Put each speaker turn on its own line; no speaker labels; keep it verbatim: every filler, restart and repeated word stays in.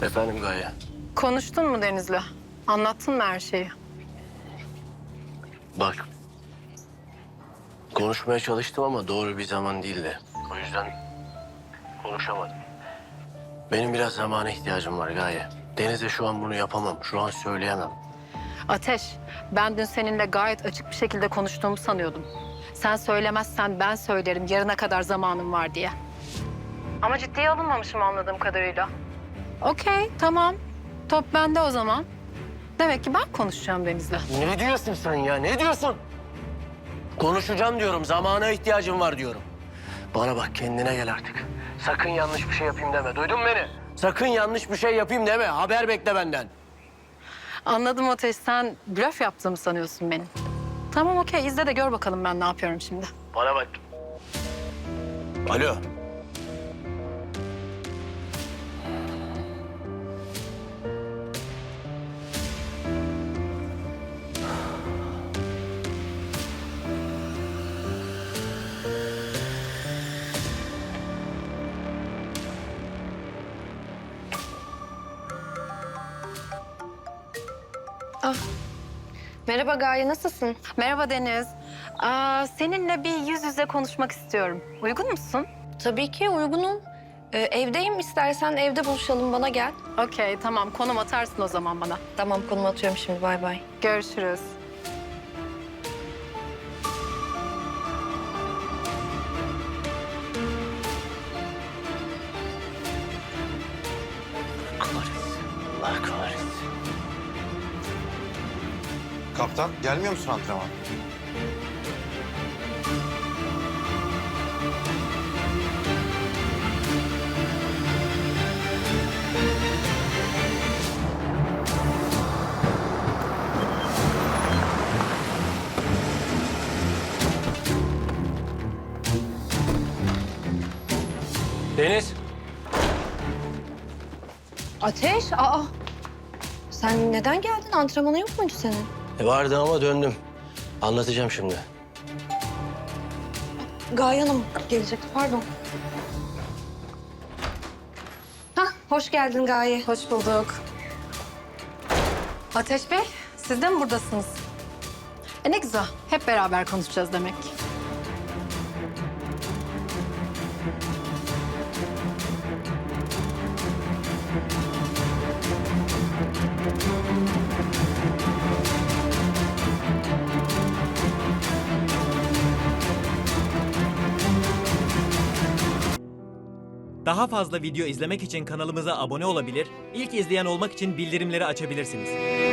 Efendim Gaye.
Konuştun mu Deniz'le? Anlattın mı her şeyi?
Bak. Konuşmaya çalıştım ama doğru bir zaman değildi. O yüzden konuşamadım. Benim biraz zamana ihtiyacım var Gaye. Deniz'e şu an bunu yapamam. Şu an söyleyemem.
Ateş, ben dün seninle gayet açık bir şekilde konuştuğumu sanıyordum. Sen söylemezsen ben söylerim yarına kadar zamanım var diye. Ama ciddiye alınmamışım anladığım kadarıyla. Okey, tamam. Top bende o zaman. Demek ki ben konuşacağım Deniz'le.
Ne diyorsun sen ya? Ne diyorsun? Konuşacağım diyorum. Zamana ihtiyacım var diyorum. Bana bak, kendine gel artık. Sakın yanlış bir şey yapayım deme. Duydun mu beni? Sakın yanlış bir şey yapayım deme. Haber bekle benden.
Anladım Ateş, sen blöf yaptığımı sanıyorsun benim. Tamam okey, izle de gör bakalım ben ne yapıyorum şimdi.
Bana bak. Alo.
Ah. Merhaba Gaye, nasılsın?
Merhaba Deniz. Aa, seninle bir yüz yüze konuşmak istiyorum. Uygun musun?
Tabii ki uygunum. Ee, evdeyim, istersen evde buluşalım, bana gel.
Okey, tamam. Konum atarsın o zaman bana.
Tamam, konum atıyorum şimdi, bay bay.
Görüşürüz.
Kahretsin. Allah kahretsin.
Kaptan, gelmiyor musun antrenman?
Deniz.
Ateş, aa. Sen neden geldin? Antrenmanı yok muydu senin?
E vardı ama döndüm. Anlatacağım şimdi.
Gaye Hanım gelecekti, pardon. Hah, hoş geldin Gaye.
Hoş bulduk. Ateş Bey, siz de mi buradasınız? E ne güzel. Hep beraber konuşacağız demek.
Daha fazla video izlemek için kanalımıza abone olabilir, ilk izleyen olmak için bildirimleri açabilirsiniz.